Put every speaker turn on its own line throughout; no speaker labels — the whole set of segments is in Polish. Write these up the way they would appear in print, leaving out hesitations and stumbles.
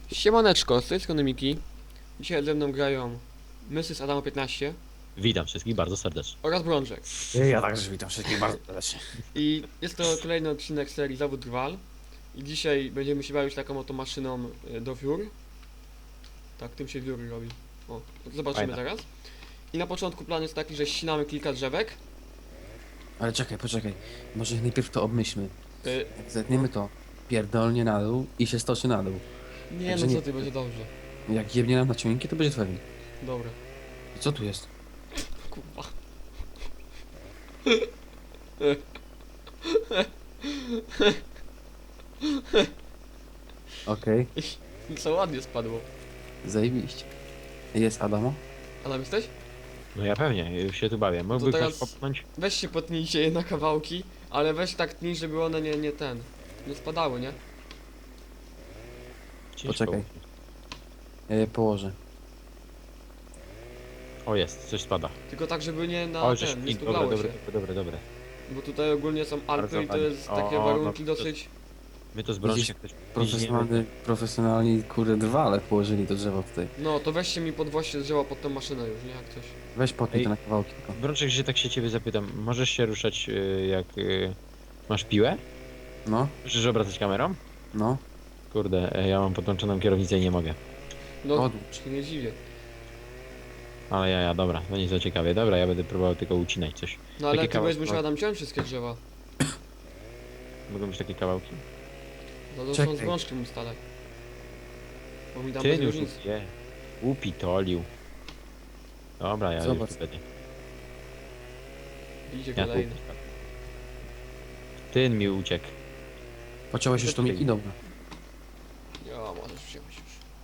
Siemaneczko, z tej strony Miki. Dzisiaj ze mną grają Mrs. Adamo 15
Witam wszystkich bardzo serdecznie.
oraz Brączek.
Ja także witam wszystkich bardzo serdecznie.
I jest to kolejny odcinek serii Zawód Rwal. I dzisiaj będziemy się bawić taką oto maszyną do wiór. Tak, tym się wióry robi. O, zobaczymy
Fajne.
zaraz. I na początku plan jest taki, że ścinamy kilka drzewek.
Ale czekaj, poczekaj. Może najpierw to obmyślmy.
Y,
Jak zetniemy to pierdolnie na dół i się stoczy na dół.
nie
Także
no co
nie-
ty, będzie dobrze.
Jak jebnie nam na ciągniki, to będzie twoim.
Dobra.
I co tu jest?
Kurwa.
Okej,
I co ładnie spadło.
zajebiście. Jest Adamo?
Adam jesteś?
No ja pewnie, już się tu bawię. Mógłby
teraz-
ktoś popchnąć?
Weź się potnijcie je na kawałki, ale weź tak tnij, żeby one nie spadały, nie?
Ciężko.
Poczekaj. Ja je położę.
O jest, coś spada.
Tylko tak, żeby nie na
O, żeś
nie
dobre,
stuglało
dobre,
się.
dobre.
Bo tutaj ogólnie są Alpy
Bardzo
i to
ładnie.
jest takie
O,
warunki
no,
dosyć...
My to z Brączkiem też
Profesjonalni, kurde, drwale położyli to drzewo tutaj.
No to weźcie mi podwoście drzewa pod tę maszynę już, nie? Jak coś.
Weź potnij
Ej.
to na kawałki tylko.
Brączek, że tak się ciebie zapytam, możesz się ruszać jak masz piłę?
No,
Możesz obracać kamerą?
no,
Kurde, ja mam podłączoną kierownicę i nie mogę.
No,
odłóż.
się nie dziwię.
Ale ja, dobra, to nie za ciekawie. Dobra, ja będę próbował tylko ucinać coś.
No ale
Takie
ty będziesz
kawałki.
musiał tam ciąć wszystkie drzewa.
Mogą być takie kawałki?
No to są
Czekaj.
z brączkiem ustalaj. Bo mi tam
Ty
bez
już
różnicy.
je. Upitolił. Dobra, ja
Zobacz.
już tu będę.
Idzie
Ja tu.
kolejny.
Ten mi uciekł.
Pociąłeś już to Miki? Dobra.
Ja, możesz wziąć już.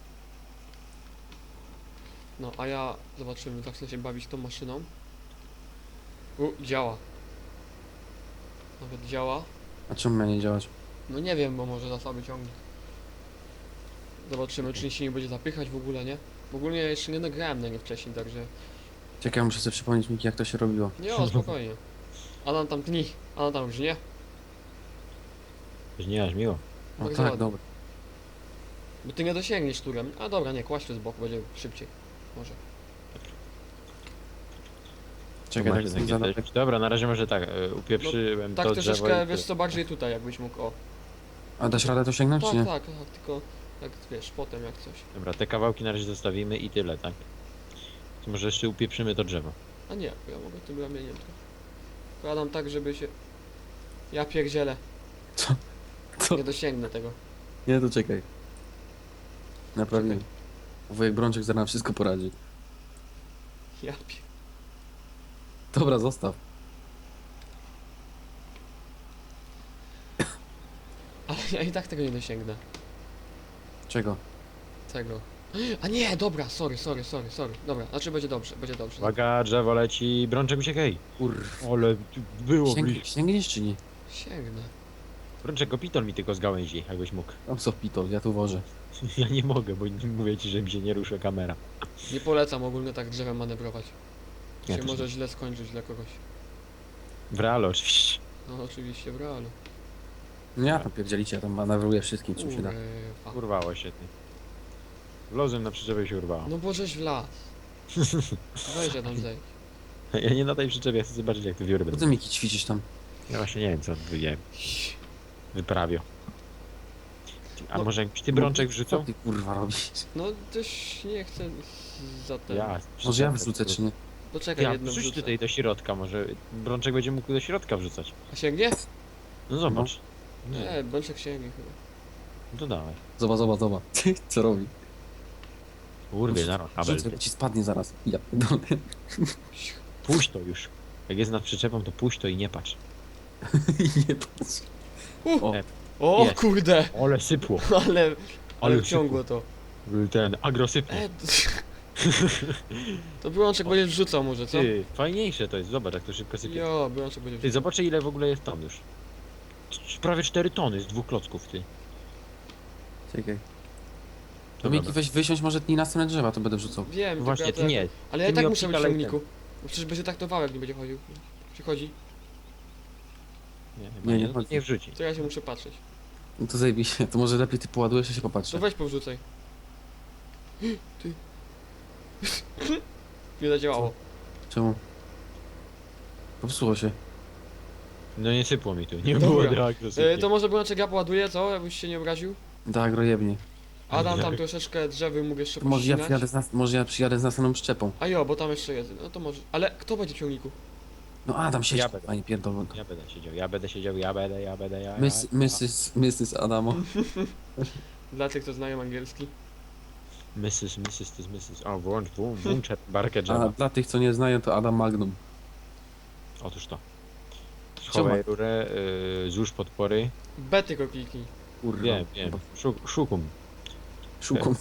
No, a ja zobaczymy, tak chcę się bawić tą maszyną. Działa. Nawet działa.
A czemu miał nie działać?
No nie wiem, bo może za słaby ciągnik. Zobaczymy, czy się nie będzie zapychać w ogóle, nie? W ogóle ja jeszcze nie nagrałem na nie wcześniej, także...
Czekaj, muszę sobie przypomnieć Miki, jak to się robiło.
Nie, o, spokojnie. Adam tam tni, Adam tam już nie.
Nie aż miło.
O
Tak
tak,
załadnie.
dobra.
Bo ty nie dosięgniesz turem. A dobra, nie, kłaść to z boku, będzie szybciej. Może.
Czekaj,
Tu
tak
macie
jest
takie
zadać.
coś. Dobra, na razie może tak, upieprzyłem
Tak
to drzewo
troszeczkę,
i
wiesz co, bardziej tutaj jakbyś mógł, o.
A dasz radę to sięgnąć,
Tak,
czy nie?
tak, tak, tylko jak wiesz, potem jak coś.
Dobra, te kawałki na razie zostawimy i tyle, tak? To może jeszcze upieprzymy to drzewo.
A nie, bo ja mogę tym ramieniem trochę. Kładam tak, żeby się... Ja pierdzielę.
Co?
Nie dosięgnę tego.
Nie, to czekaj. Naprawimy. Wujek Brączek zaraz nam wszystko poradzi.
Ja pier...
Dobra, zostaw.
Ale ja i tak tego nie dosięgnę.
Czego?
Tego. A nie, dobra, sorry. Dobra, znaczy będzie dobrze, będzie dobrze.
Uwaga, drzewo leci, Brączek uciekaj!
Kurw.
Ale było blisko.
Sięgniesz czy nie?
Sięgnę.
Brączek, opitol mi tylko z gałęzi, jakbyś mógł.
Tam co pitol, ja tu wożę.
Ja nie mogę, bo mówię ci, że mi się nie rusza kamera.
Nie polecam ogólnie tak drzewem manewrować.
Ja
Się
też
może
nie.
źle skończyć dla kogoś.
W realu oczywiście.
No oczywiście, w realu.
No ja tam pierdzielicie, ja tam manewruję wszystkim, czym się da.
Kurwa.
Urwało się ty. Wlozłem na przyczepę i się urwało.
No bo żeś w las. Weź ja tam zejdź.
Ja nie na tej przyczepie, chcę zobaczyć jak te wiory
Po
będą.
co Miki ćwiczysz tam?
Ja właśnie nie wiem co wyprawią. A
No.
może jakbyś ty Brączek
Co
wrzucał?
ty kurwa robisz?
No też nie chcę za ten.
Ja.
Może ja wrzucę czy nie?
Poczekaj,
Ja,
jedno
wrzuć
wrzucę.
tutaj do środka, może Brączek będzie mógł do środka wrzucać.
A sięgnie?
No zobacz. No,
Nie, bączek sięgnie chyba.
no to dawaj.
Zobacz. Co robi?
Urwie zaraz kabel.
Rzucę, ci spadnie zaraz. Ja pierdolę.
Puść to już. Jak jest nad przyczepą, to puść to i nie patrz.
Nie patrz.
O,
E,
o
jest.
kurde!
Ole sypło.
Ale ciągło to.
Ten agrosypło.
To Brączek będzie wrzucał może, co?
Ty, fajniejsze to jest, zobacz jak to szybko sypie.
Jo, Brączek będzie
Ty,
wrzucał.
zobaczę ile w ogóle jest ton już. Prawie 4 tony z 2 klocków, ty.
Czekaj. To
Dobra,
Miki weź wysiąść może tnij następne drzewa, to będę wrzucał.
Wiem,
No
tylko
właśnie,
ja
ty nie.
Ale ja i
ty
tak
mi
muszę być w
obcikalaj
ciągniku. Bo przecież będzie taktował, jak nie będzie chodził. Przychodzi,
Nie, chyba
Nie,
nie,
nie
no,
chodzi.
nie wrzuci.
to ja się muszę patrzeć.
No to zajebiście, to może lepiej ty poładujesz, a się
To
popatrzę.
weź powrzucaj. Ty. Nie zadziałało.
Czemu? Popsuło się.
No nie sypło mi tu, nie
Dobra.
było reakcji.
To może Brączek ja poładuję, co? Jakbyś się nie obraził?
Tak, rojebnie.
Adam tam
Jak?
troszeczkę drzewy mógł jeszcze
To może ja
pościnać.
przyjadę może ja przyjadę z następną przyczepą.
A jo, bo tam jeszcze jest. No to może. Ale kto będzie w ciągniku?
No Adam siedź,
Ja będę.
panie pierdolę.
Ja będę siedział, ja będę, ja.
Mrs. Adamo.
Dla tych, co znają angielski.
Mrs. to jest Mrs. O, włącz barkę
A
drzewa.
dla tych, co nie znają, to Adam Magnum.
Otóż to. Schowaj
Czemu?
rurę, złóż podpory.
B tylko kliknij.
Kurwa.
Wiem. Szukum.
Szukam.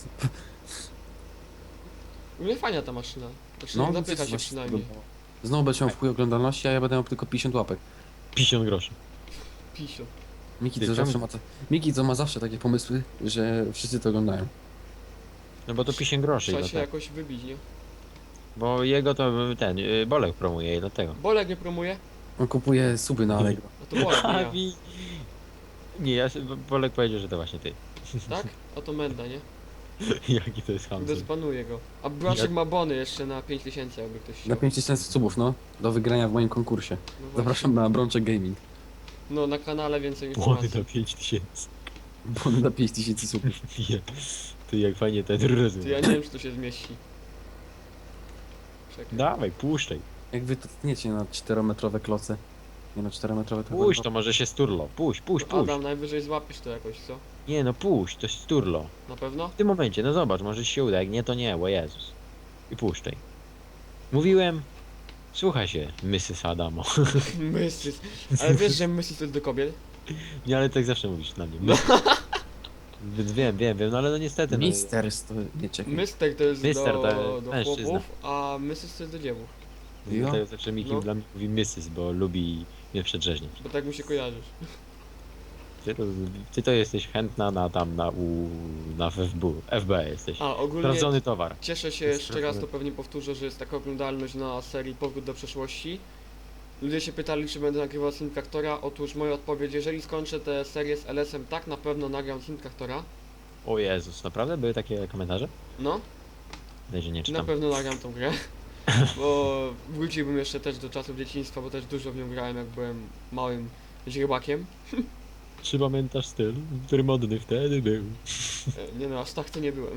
U mnie fajna ta maszyna. Znaczy,
No,
zapycha się przynajmniej.
Znowu będę miał w chuj oglądalności, a ja będę miał tylko 50 łapek.
50 groszy.
Pisio.
Miki,
Ty,
co
czemu-
zawsze ma Miki, co ma zawsze takie pomysły, że wszyscy to oglądają.
No bo to 50 groszy.
Trzeba
No
się jakoś wybić, nie?
Bo jego to ten, Bolek promuje i dlatego.
Bolek nie promuje?
On kupuje suby na Allegro.
A to Bolek, nie ja.
Nie, Bolek powiedział, że to właśnie ty.
Tak? A to Menda, nie?
Jaki to jest hamster.
Zdespanuję go. A Brączek ma bony jeszcze na 5000, jakby ktoś
Na
chciał.
5000 subów, no. Do wygrania w moim konkursie.
No właśnie.
Zapraszam na Brączek Gaming.
No na kanale więcej
Błony
informacji.
na 5000.
Bo on na 5000 subów.
Nie. To jak fajnie ten
To
rozumie.
ja nie wiem, czy to się zmieści. Czekaj.
Dawaj, puszczaj.
Jak wy to tniecie na 4-metrowe kloce. Nie no, 4-metrowe to
Puść,
chyba-
to może się sturlo. Puść.
Adam, najwyżej złapiesz to jakoś, co?
Nie no, puść, to jest sturlo.
Na pewno?
W tym momencie, no zobacz, może ci się uda, jak nie, to nie, bo Jezus. I puszczaj. Mówiłem, słuchaj się, Mrs. Adamo.
Mrs. Ale wiesz, że Mrs to jest do kobiet?
Nie, ale tak zawsze mówisz na mnie. Więc wiem, no ale no niestety. No,
Misters to nie czekaj.
Mister to jest
Mister to
do
mężczyzna.
chłopów, a Mrs to jest do dziewów.
dlatego zawsze Miki
No.
dla mnie mówi Mrs., bo lubi mnie przedrzeźnić.
Bo tak mu się kojarzysz.
Ty to jesteś chętna na FB jesteś.
A ogólnie
Sprawdzony towar.
cieszę się jeszcze raz, to pewnie powtórzę, że jest taka oglądalność na serii Powrót do przeszłości. Ludzie się pytali, czy będę nagrywał Simcraftora. Otóż moja odpowiedź, jeżeli skończę tę serię z LS-em, tak na pewno nagram Simcraftora.
O Jezus, naprawdę były takie komentarze?
No,
Dajże nie
na
czytam.
pewno nagram tą grę. Bo wróciłbym jeszcze też do czasów dzieciństwa, bo też dużo w nią grałem, jak byłem małym źrebakiem.
Czy pamiętasz styl, który modny wtedy był?
Nie no, aż tak to nie byłem.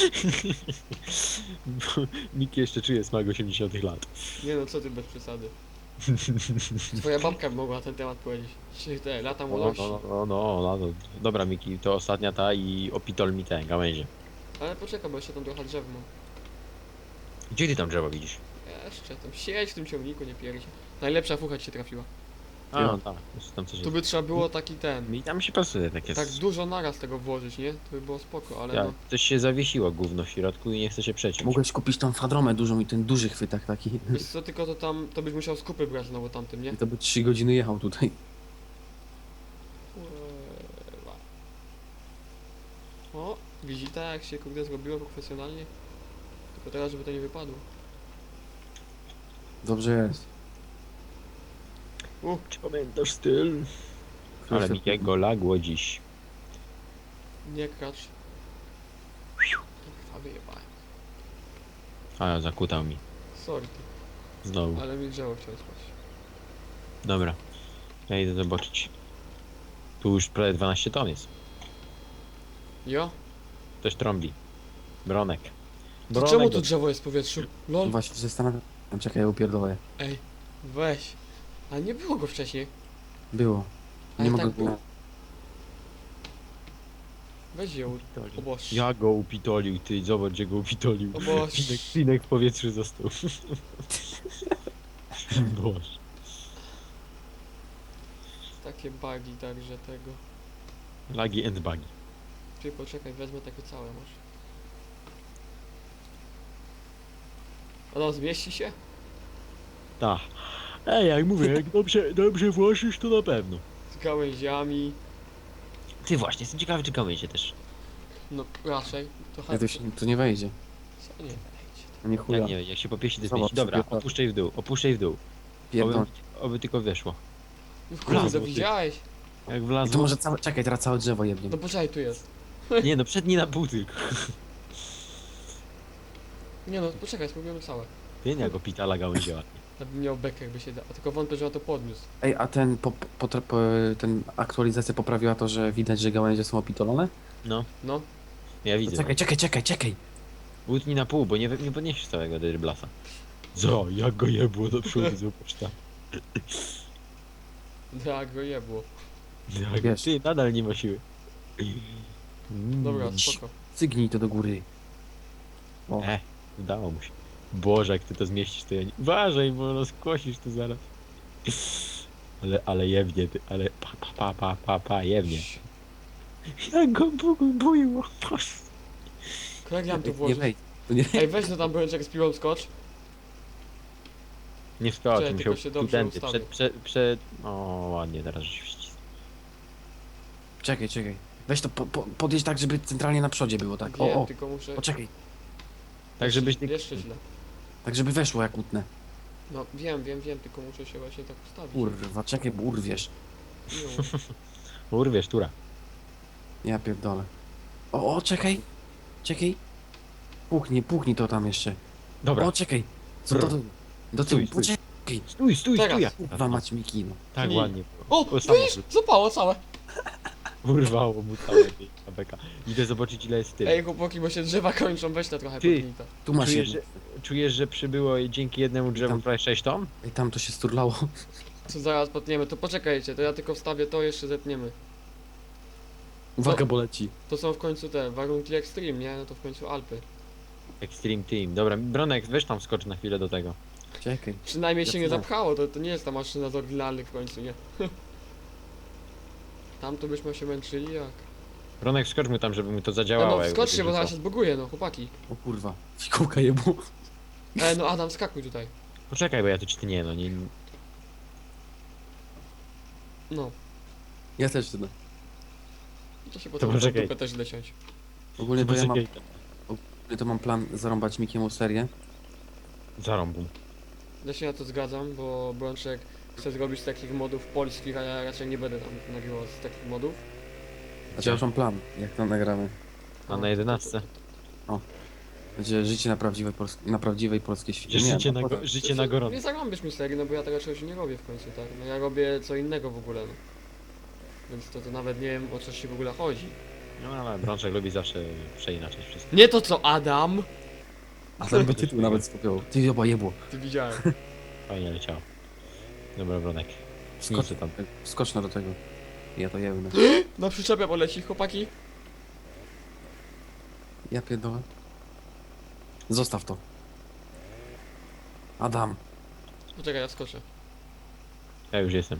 Bo Miki jeszcze czuje smak 80 lat.
Nie no, co ty bez przesady. Twoja babka by mogła na ten temat powiedzieć. Czy te lata młodości.
No. Dobra Miki, to ostatnia ta i opitol mi ten gałęzie.
Ale poczekaj, bo jeszcze tam trochę drzew mam.
Gdzie ty tam drzewo widzisz?
Jeszcze tam siedź w tym ciągniku, nie pierdzie. Najlepsza fucha ci się trafiła.
A, tam, jest tam coś
Tu
jest.
by trzeba było taki ten.
Mi tam się pasuje takie.
Tak dużo naraz tego włożyć, nie? To by było spoko, ale
Ja,
no.
coś się zawiesiło gówno w środku i nie chce się przeciąć.
Mogłeś kupić tą fadromę dużą i ten duży chwytak taki.
Wiesz co, tylko to tam, to byś musiał skupy brać znowu tamtym, nie?
I to by 3 godziny jechał tutaj.
Kurwa. O, widzita jak się kurde zrobiło profesjonalnie. Tylko teraz, żeby to nie wypadło.
Dobrze jest.
Czy pamiętasz styl? Ale Mikiego lagło dziś.
Nie kracz. Kurwa, wyjebałem.
A, zakutał mi.
Sorry ty,
Znowu.
ale mi drzewo chciało spać.
Dobra. Ja idę zobaczyć. Tu już prawie 12 ton jest.
Jo?
Ktoś trąbi. Bronek.
To czemu tu drzewo jest w powietrzu? Lol.
Właśnie się zastanawiam. Czekaj, ja upierdolę.
Ej, weź. Ale nie było go wcześniej.
Było.
Ale
Nie
tak
mogę
było.
było.
Weź ją. Oboż.
Ja go upitolił, ty, zobacz gdzie go upitolił.
Oboż.
Pinek w powietrzu został. Boże.
Takie bugi także tego.
Lagi and bugi.
Ty poczekaj, wezmę takie całe może. Ono zmieści się?
Tak. Ej, jak mówię, jak dobrze włożysz, to na pewno.
Z gałęziami.
Ty właśnie, jestem ciekawy, czy gałęzie też.
No raczej. To
Ja to nie wejdzie.
Co nie wejdzie?
Nie chuja.
Jak nie, jak się popieści, to
Zobacz,
zmieści. Dobra,
sobie-
opuszczaj w dół.
Pierdol.
Oby tylko weszło.
Kurde,
Wlazło, ty.
widziałeś?
Jak
I to
wlazło.
może czekaj, teraz całe drzewo jebnie.
No poczekaj, tu jest.
Nie no, przedni na pół tylko.
Nie no, poczekaj, spróbujemy całe.
Ty nie go pitala gałęziła.
Ja bym miał bekę jakby się da, a tylko wątpię, że on to podniósł.
Ej, a ten, ten aktualizacja poprawiła to, że widać, że gałęzie są opitolone?
No,
No,
ja widzę.
Czekaj.
Utnij na pół, bo nie podniesiesz całego dryblasa. Co? Jak go jebło do przodu, zobacz tam.
tak go jebło.
Wiesz.
Ty nadal nie ma siły.
Dobra, spoko.
Cygnij to do góry. O,
Udało mu się. Boże, jak ty to zmieścisz, to ja nie... Uważaj, bo rozkłosisz to zaraz. Ale jebnie ty, ale jebnie. Jak go bujło.
Jak ja mam tu
nie
włożyć?
wejdź. To nie...
Ej, weź no tam brączek z piłą skocz.
Nie wskoczy,
Czekaj,
musiał
tylko się dobrze
tędy,
ustawię.
O, ładnie, teraz żeś wcisnął.
Czekaj. Weź to podjedź tak, żeby centralnie na przodzie było, tak.
Wiem,
O,
tylko muszę...
poczekaj.
Tak, żebyś ty...
Jeszcze źle.
Tak, żeby weszło jak utnę.
No, wiem, tylko muszę się właśnie tak ustawić.
Kurwa, czekaj, bo urwiesz.
No.
Urwiesz, tura.
Ja pierdolę. O, czekaj. Puchnij to tam jeszcze.
Dobra,
O, czekaj. Co to? Do tyłu.
Stój.
Poczekaj.
stój,
Teraz.
ja.
Kurwa, mać Miki, no.
Tak
Nie.
ładnie.
O,
samo
widzisz? Zapało całe.
urwało mu całe tej ABK. Idę zobaczyć ile jest tył.
Ej, chłopaki, bo się drzewa kończą, weź to trochę
Ty.
podgnij.
Tu masz
Czujesz,
jedno.
Czujesz, że przybyło dzięki jednemu drzewu
Tam.
prawie 6 ton?
Ej, tam to się sturlało.
Co zaraz potniemy, to poczekajcie, to ja tylko wstawię to, jeszcze zetniemy.
Uwaga, bo leci.
To są w końcu te warunki extreme, nie? No to w końcu Alpy.
Extreme Team. Dobra, Bronek, weź tam skocz na chwilę do tego.
Czekaj.
Przynajmniej się nie
Jasne.
zapchało, to nie jest ta maszyna z oryginalnych w końcu, nie? Tam to byśmy się męczyli jak...
Bronek, skocz mu tam, żeby mu to
No,
zadziałało.
no
jak
skoczcie,
będzie
bo zaraz
rzucał.
się zbuguje, no chłopaki.
O kurwa. Fikołka jebło.
No Adam, skakuj tutaj.
Poczekaj, bo ja tu ci nie, no nie...
No,
Ja też tyle.
to się potem
poczekaj.
dupę też źle ciąć.
Ogólnie to ja mam,
Poczekaj.
to mam plan zarąbać Mikiemu serię.
Zarąbu.
Ja się na to zgadzam, bo Brączek chce zrobić z takich modów polskich, a ja raczej nie będę tam nagrywał z takich modów.
Znaczy ja już mam plan, jak to nagramy.
A na 11?
Będzie życie na prawdziwej polskiej świecie.
Życie na gorąco.
Nie zarąbisz mi serii, no bo ja tego czegoś nie robię w końcu, tak? No ja robię co innego w ogóle, no. Więc to nawet nie wiem o co się w ogóle chodzi.
No ale Brączek lubi zawsze przeinaczać wszystko.
Nie to co Adam!
A ten by tytuł nawet skopiował. Ty oba jebło.
Ty widziałem.
Fajnie leciało. Dobra, Bronek.
Skocz,
Nic tam.
skocz do tego. Ja to jebnę.
Na przyczepę poleci, chłopaki.
Ja pierdolę. Zostaw to. Adam.
Poczekaj, ja skoczę.
Ja już jestem.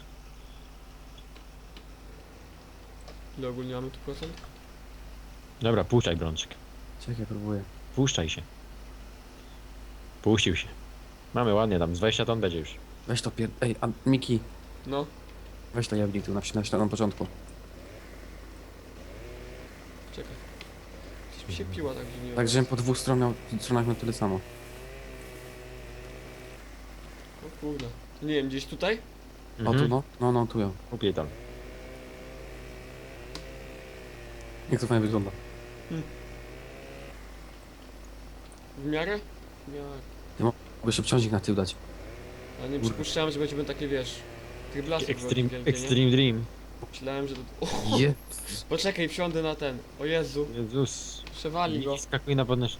Ile ogólnie mamy tu procent?
Dobra, puszczaj Brączek.
Czekaj, próbuję.
Puszczaj się. Puścił się. Mamy ładnie, tam z 20 ton będzie już.
Weź to Ej, a Miki,
No,
weź to jebnij tu na początku.
czekaj. Coś mi się piła tak dziwnie.
Tak, żebym po dwóch stronach miał tyle samo.
O kurde. Nie wiem, gdzieś tutaj?
O tu no? No, tu ją.
Kupię tam.
Jak to fajnie wygląda.
W miarę? W miarę.
Mogę się wciążnik na tył dać.
A nie
Kurde.
przypuszczałem, że będziemy takie, wiesz... Tych blasów
Extreme Dream.
Myślałem, że to...
Je.
Poczekaj, wsiądę na ten. O Jezu,
Jezus.
przewali go.
Nie skakuj na podnośnik.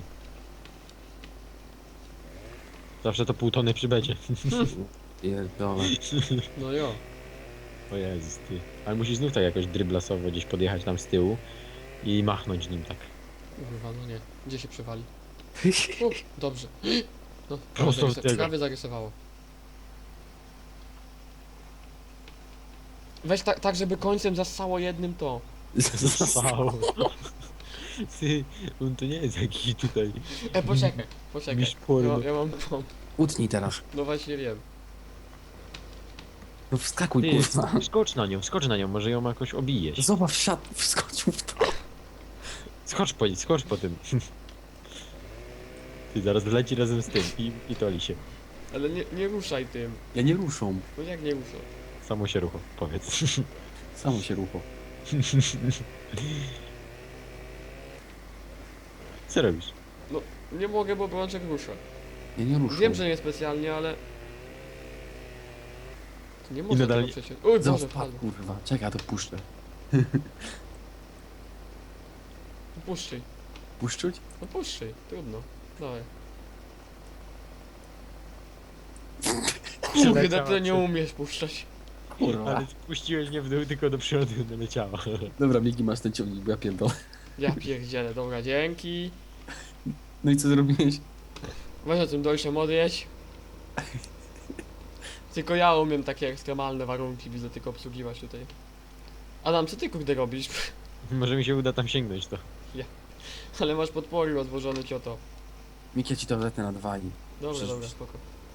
Zawsze to pół tony przybędzie.
Pierdolę.
No jo.
O Jezus, ty. Ale musisz znów tak jakoś dryblasowo gdzieś podjechać tam z tyłu i machnąć nim tak.
Kurwa, no nie. Gdzie się przewali? Dobrze. No,
Prosto od tego.
prawie zarysowało. Weź tak, żeby końcem zassało jednym to.
Wow. Ty, on to nie jest jakiś tutaj.
Poczekaj.
Mistrz porno.
Ja mam pomp.
Utnij teraz.
No właśnie wiem.
No wskakuj,
Ty,
kurwa.
skocz na nią, może ją jakoś obijesz.
Zobacz, wskoczył w to.
Skocz po tym. Ty, zaraz wleci razem z tym i toli się.
Ale nie ruszaj tym.
Ja nie ruszą.
No jak nie ruszą?
Samo się rucho, powiedz.
Samo się rucho.
Co robisz?
Nie mogę, bo Brączek rusza.
Ja nie ruszę.
Wiem, że nie specjalnie, ale... To nie może
nadal
tego
nie-
przecież. Uj, Boże,
Zobacz,
wpadł.
kurwa. Czekaj, ja to puszczę.
Puszczaj.
Puszczuć?
No puszczaj, trudno. Dawaj.
Przeleciała
Kurde, ty nie
przez-
umiesz puszczać.
Kurwa.
Ale spuściłeś mnie w dół, tylko do przodu leciała.
Dobra, Miki, masz ten ciągnik, bo ja pierdolę.
Ja pierdzielę, dobra, dzięki.
No i co zrobiłeś?
Weź o tym dojrzem odjedź. Tylko ja umiem takie ekstremalne warunki, widzę tylko obsługiwać tutaj. Adam, co ty kurde robisz?
Może mi się uda tam sięgnąć to.
Ale masz podpory rozłożone cioto.
Miki, ja ci to zetnę na 2 i...
Dobra,
Przecież-
dobra, spoko.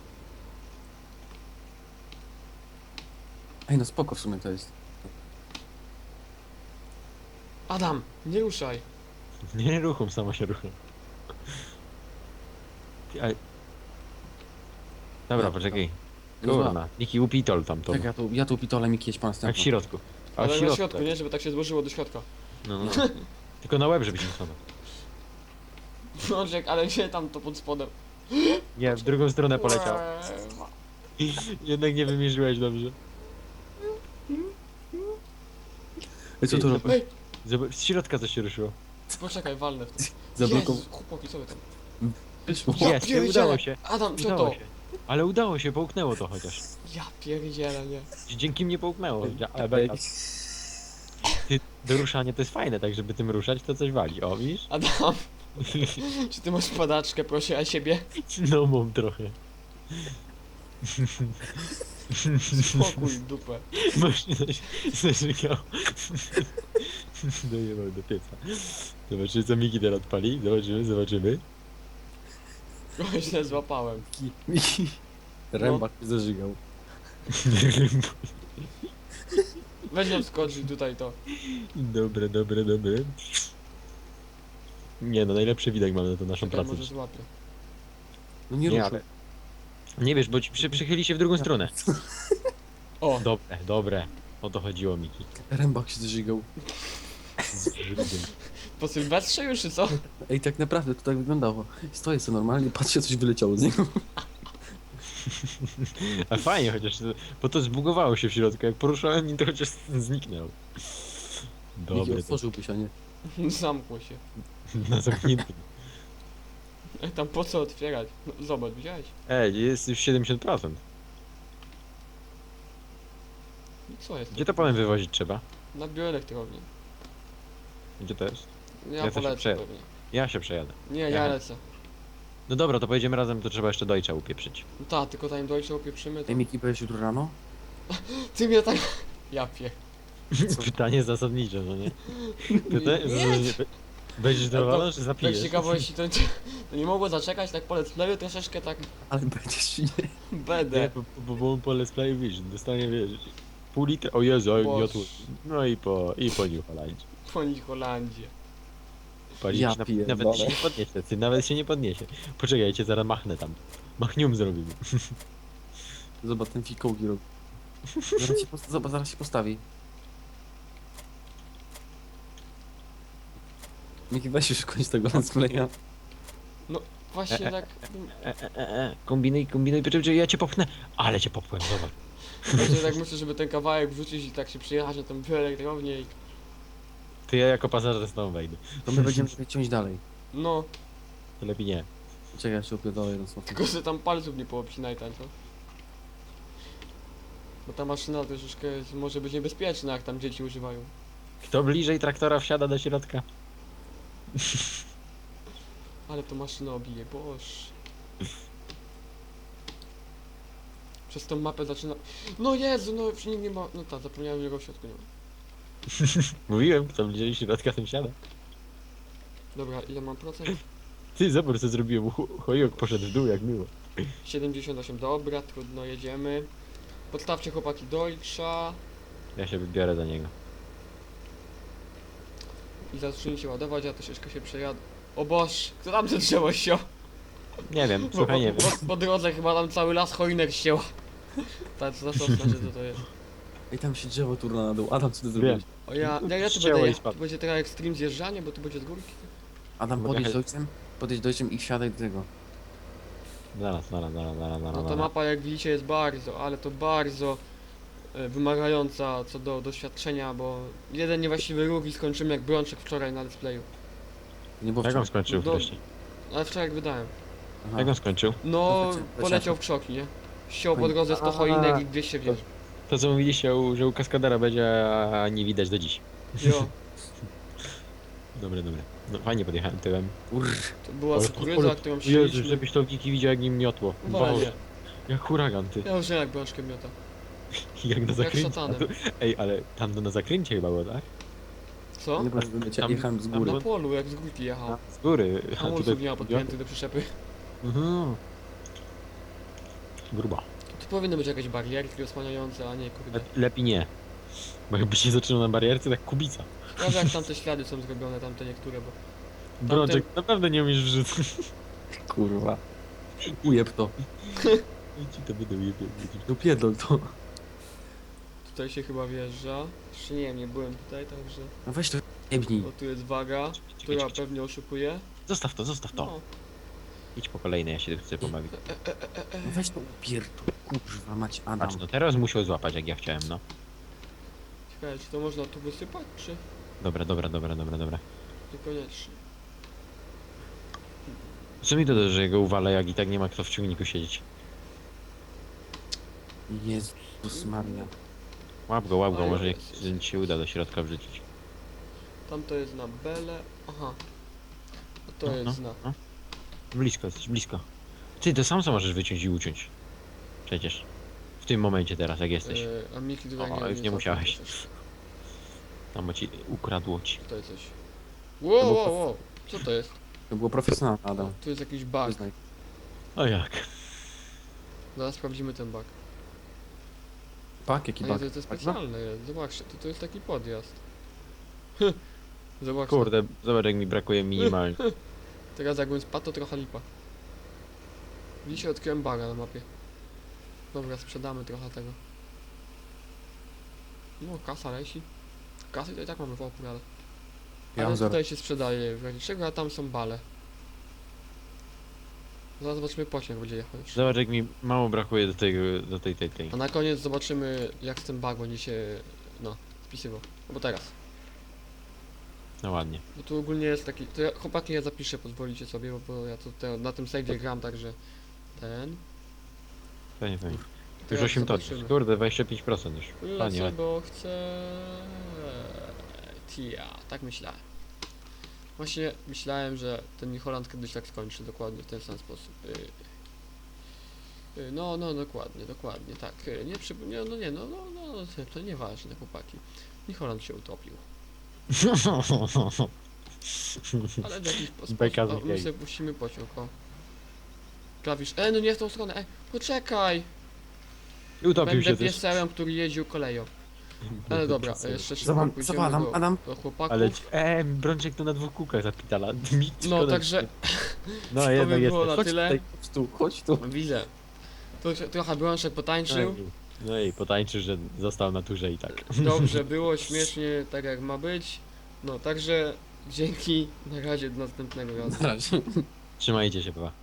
Ej, no spoko w sumie to jest.
Adam, nie ruszaj.
Nie ruchom, samo się ruchom. Ty, ale... Dobra,
Ja,
poczekaj.
No zła.
Kurna, Niki upitol tam to.
Czekaj, ja tu pitole, Miki, jedź po
Tak
następną.
w środku. A w
Ale na
środku.
środku,
tak.
nie? Żeby tak się złożyło do środka.
No, no. Tylko na łeb, żebyś nie spadł.
Brączek, ale nie tam to pod spodem.
Nie, w drugą stronę poleciał.
Eee,
Jednak nie wymierzyłeś dobrze.
Ej, co tu
Ej,
robisz?
Ej,
Zobacz, z środka coś się ruszyło.
poczekaj, walnę w to.
Zablokował.
Jezu, chłopaki, co wy tam?
Wyszło.
Ja
Jest,
pierdzielę.
udało się.
Adam, co
Udało
to?
się. Ale udało się, połknęło to chociaż.
Ja pierdzielę, nie.
Dzięki mnie połknęło. Ale beka. Ty, do ruszania to jest fajne, tak żeby tym ruszać to coś wali. O, widzisz?
Adam, czy ty masz padaczkę, proszę, a siebie?
No mam trochę.
Spokój, dupę.
Masz zażygał. Dojebał do pieca. Zobaczymy co Miki teraz odpali. Zobaczymy.
Trochę źle złapałem.
Miki. Rębak się zażygał.
Weź ją skoczyć tutaj to.
Dobre. Nie no, najlepszy widok mamy na tą naszą
Czekaj,
pracę.
może złapię.
No nie
Nie,
ruszył.
ale... Nie wiesz, bo ci przychyli się w drugą stronę.
O,
Dobre. O to chodziło, Miki.
Rębak się zażygał.
po Sylwestrze już, czy co?
Ej, tak naprawdę to tak wyglądało. Stoję sobie normalnie, patrzę, coś wyleciało z niego.
A fajnie chociaż, bo to zbugowało się w środku. Jak poruszałem nim, to chociaż zniknął.
Miki,
Dobre, to
otworzyłbyś, a nie.
Zamkło się.
na zamkniętym.
Ej, tam po co otwierać? No, zobacz, widziałeś?
Ej, jest już 70%.
Co jest?
Gdzie to potem wywozić trzeba?
Na bioelektrownię.
Gdzie to jest?
Ja
Ja też się
polecę
przejadę.
pewnie.
Ja się przejadę.
Nie, ja
Aha.
lecę.
No dobra, to pojedziemy razem, to trzeba jeszcze Deutscha upieprzyć.
No ta, tylko tam dojście opieprzymy to...
Ej, Miki, pojedziesz jutro rano?
Ty mnie tak... Ja pie...
Pytanie zasadnicze, no nie? Pytanie zasadnicze. Będziesz dowolony, czy
Tak
zapijesz?
ciekawości, to nie mogło zaczekać, tak po let's playu troszeczkę tak...
Ale będziesz czy nie?
Nie,
Będę.
bo on po Let's Play Vision dostanie, wiesz, pół litra, o Jezu,
Boże.
jotł. No i po New Holandzie.
Po Holandzie.
Palić
Ja
nawet
pierdolę.
się nie podniesie, ty nawet się nie podniesie. Poczekajcie, zaraz machnę tam. Machnium zrobimy.
Zobacz, ten fikołki robi. Zobacz, zaraz się postawi. Miki, weź już kończ tego let's playa.
Właśnie tak...
Kombinuj, poczekaj, ja cię popchnę. Ale cię popchnę, zobacz.
Właśnie tak myślę, żeby ten kawałek wrzucić i tak się przyjechać na tą bioelektrownię i...
To ja jako pasażer z tobą wejdę.
To my będziemy sobie ciąć dalej.
No,
To lepiej nie.
Czekaj, ja się opierdolę jeden słów.
tylko że tam palców nie poobcinaj tam, co? Bo ta maszyna troszeczkę może być niebezpieczna, jak tam dzieci używają.
Kto bliżej traktora wsiada do środka?
Ale to maszyna obije, boż. Przez tą mapę zaczyna... No Jezu, no już nikt nie ma... No tak, zapomniałem, że go w środku nie ma.
Mówiłem, kto bliżej środka, ten siada.
Dobra, ile mam procent?
Ty, zobacz co zrobiłem, chojok poszedł w dół, jak miło.
78, dobra, trudno, jedziemy. Podstawcie chłopaki Deutscha
Ja się wybiorę do niego.
i zacznijcie ładować, ja troszeczkę się przejadę. O boż, kto tam drzewo ściął?
Nie wiem, słuchaj, nie wiem.
Po drodze chyba tam cały las choinek ścięła. Tak, co za sosna, że co to jest.
Ej, tam się drzewo turla na dół. Adam, co ty zrobiłeś?
O ja tu
Ścięło
będę
i
jechał,
spadło.
tu będzie teraz extreme zjeżdżanie, bo tu będzie z górki.
Adam,
Mogę
podjedź
jechać.
z ojcem? Podejdź dojściem i wsiadaj do tego.
Zaraz.
No ta mapa jak widzicie jest bardzo, ale to bardzo wymagająca co do doświadczenia, bo jeden niewłaściwy ruch i skończymy jak Brączek wczoraj na displayu.
Nie było
Jak on
wczoraj.
skończył
Do-
wcześniej?
Ale wczoraj jak wydałem.
Aha.
Jak on skończył?
No,
Leciał.
poleciał w krzoki, nie? Ściął po
Oj.
drodze 100
A.
choinek i 200 wież.
To co mówiliście, że u kaskadera będzie, a nie widać do dziś.
Jo,
Dobre. No fajnie podjechałem tyłem.
to była
Ale-
kukurydza,
ale-
którą
Jezu,
siedzieliśmy.
żebyś to Wiki widział jak nim miotło.
Walnie.
Boże, jak huragan ty.
Ja już nie jak Brączkiem miota.
Jak na
Jak
zakręcie.
szatanem.
A tu- Ej, ale tam to na zakręcie chyba było, tak?
Co?
Nie było,
Tam-
jechałem z
tam
góry.
Na polu, jak z górki jechał.
Z góry. A
Hamulców nie ma podpiętych do przyczepy.
Mhm. Gruba.
Tu powinny być jakieś barierki osłaniające, a nie kurde.
Lepiej nie. Bo jakby się zaczynał na barierce, tak kubica.
Ciekawe jak tamte ślady są zrobione, tamte niektóre, bo...
Brączek, naprawdę nie umiesz wrzucać.
Kurwa. Ujeb to.
Ci to będę ujebie.
No pierdol to.
Tutaj się chyba wjeżdża. Jeszcze nie wiem, nie byłem tutaj, także...
No weź to jebnij.
O, tu jest waga, która pewnie oszukuje.
Zostaw to.
No.
Idź po kolejnej, ja się chcę pobawić.
No weź to pierdol. Kurwa mać Adam.
Patrz, no teraz musiał złapać jak ja chciałem, no.
Ciekawe, czy to można tu wysypać, czy
Dobra.
niekoniecznie?
Co mi to da, że go uwalę, jak i tak nie ma kto w ciągniku siedzieć?
Jezus Maria.
Łap go,
Ale
może
jest.
ci się uda do środka wrzucić.
Tamto jest na bele. Aha. A to
No,
jest na...
Blisko, jesteś blisko. Ty, to sam co możesz wyciąć i uciąć. Przecież. W tym momencie teraz, jak jesteś.
A Miki tutaj
O, już nie musiałeś. Tam bo ci ukradło ci.
Tutaj coś. Wow. Co to jest?
To było profesjonalne, Adam.
Tu jest jakiś bug.
Przyznaj.
O jak?
Zaraz sprawdzimy ten bug.
Pak, jaki
A nie,
bak?
to specjalne jest. Zobaczcie, to jest taki podjazd. Zobaczcie.
Kurde, zobacz jak mi brakuje minimalnie.
Teraz jakbym spadł, to trochę lipa. Dzisiaj odkryłem buga na mapie. Dobra, sprzedamy trochę tego. No, kasa leci. Kasy to i tak mamy w opór, ale...
Ja
Ale
mam zero.
tutaj się sprzedaje w razie czego, a tam są bale. Zaraz zobaczymy pociąg będzie jechał już.
Zobacz jak mi mało brakuje do tej.
A na koniec zobaczymy jak ten bug będzie się... no, spisywał. No bo teraz.
No ładnie.
Bo tu ogólnie jest taki... To ja, chłopaki ja zapiszę, pozwolicie sobie, bo ja to na tym save'ie gram, także... Ten...
Fajnie. Już
Teraz
8 ton.
zobaczymy.
Kurde, 25% już.
Lecę,
Fajnie.
bo chcę... Tia, tak myślałem. Właśnie myślałem, że ten New Holland kiedyś tak skończy, dokładnie w ten sam sposób. No, dokładnie, tak. To nieważne, chłopaki. New Holland się utopił. Ale w jakiś sposób...
Beka z
O, my
gej.
sobie puścimy pociąg, o. Klawisz... no nie w tą stronę, poczekaj!
I utopił
Będę
się też.
piesełem, który jeździł koleją. Ale dobra, jeszcze szybko
Zobacz,
pójdziemy
Adam,
do,
Adam.
do chłopaków.
Ale Brączek to na dwóch kółkach zapitala.
No także
No
to
jednak
by było
jest.
na tyle.
Chodź tu.
Widzę. To się trochę Brączek potańczył.
No i potańczy, że został na turze i tak.
Dobrze było, śmiesznie, tak jak ma być. No także dzięki, na razie do następnego razu.
Na razie.
Trzymajcie się, pa.